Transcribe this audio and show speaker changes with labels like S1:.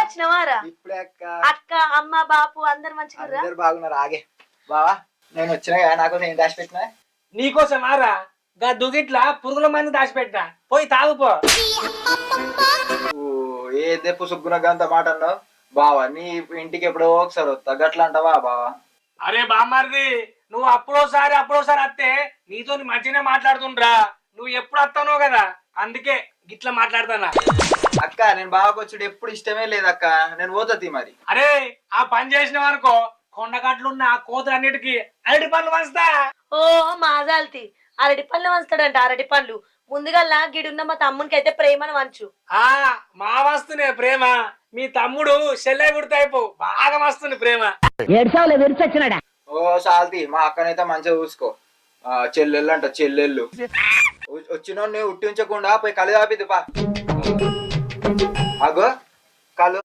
S1: వచ్చినవారా?
S2: ఇప్పుడే అక్క.
S1: అక్క అమ్మ బాపు అందరు మంచిగా
S2: అందరు బాగున్నారు. ఆగే బావా, నేను వచ్చినా కదా, నాకు నేను దాచి పెట్టినా.
S3: నీకోసం ఆరా గా దుగిట్లా పురుగుల మంది దాచిపెట్టా, పోయి తాగుపో.
S2: ఏదే పుసుగునగంత మాట అన్నావు బావా. నీ ఇంటికి ఎప్పుడో ఒకసారి వస్తా, గట్లా అంటావా బావా?
S3: అరే బామ్మారిది, నువ్వు అప్పుడోసారి అత్తే నీతో మంచిగానే మాట్లాడుతుండ్రా. నువ్వు ఎప్పుడు వస్తానో కదా, అందుకే గిట్లా మాట్లాడతానా.
S2: అక్క నేను బావకు వచ్చుడు ఎప్పుడు ఇష్టమే లేదక్క, నేను పోతుంది మరి.
S3: అరే ఆ పని చేసినావు అనుకో, కొండగట్లున్న కోతులన్నిటికీ అరటి పనులు వంచుతా.
S1: ఓ మాజాల్తి అరటి పళ్ళు వంచుతాడంట. అరటి పళ్ళు ముందుగా గిడున్న మా తమ్మునికి అయితే ప్రేమను వంచు.
S3: మా వస్తునే ప్రేమ, మీ తమ్ముడు చెల్లె గుర్తయిపో, బాగా వస్తుంది ప్రేమ.
S2: ఓ సాల్తి, మా అక్కనైతే మంచిగా చూసుకో. చెల్లెళ్ళు అంట, చెల్లెళ్ళు వచ్చినోడిని ఉట్టి ఉంచకుండా పోయి కళ్ళు తాపిద్దు పా. అగో కళ్ళు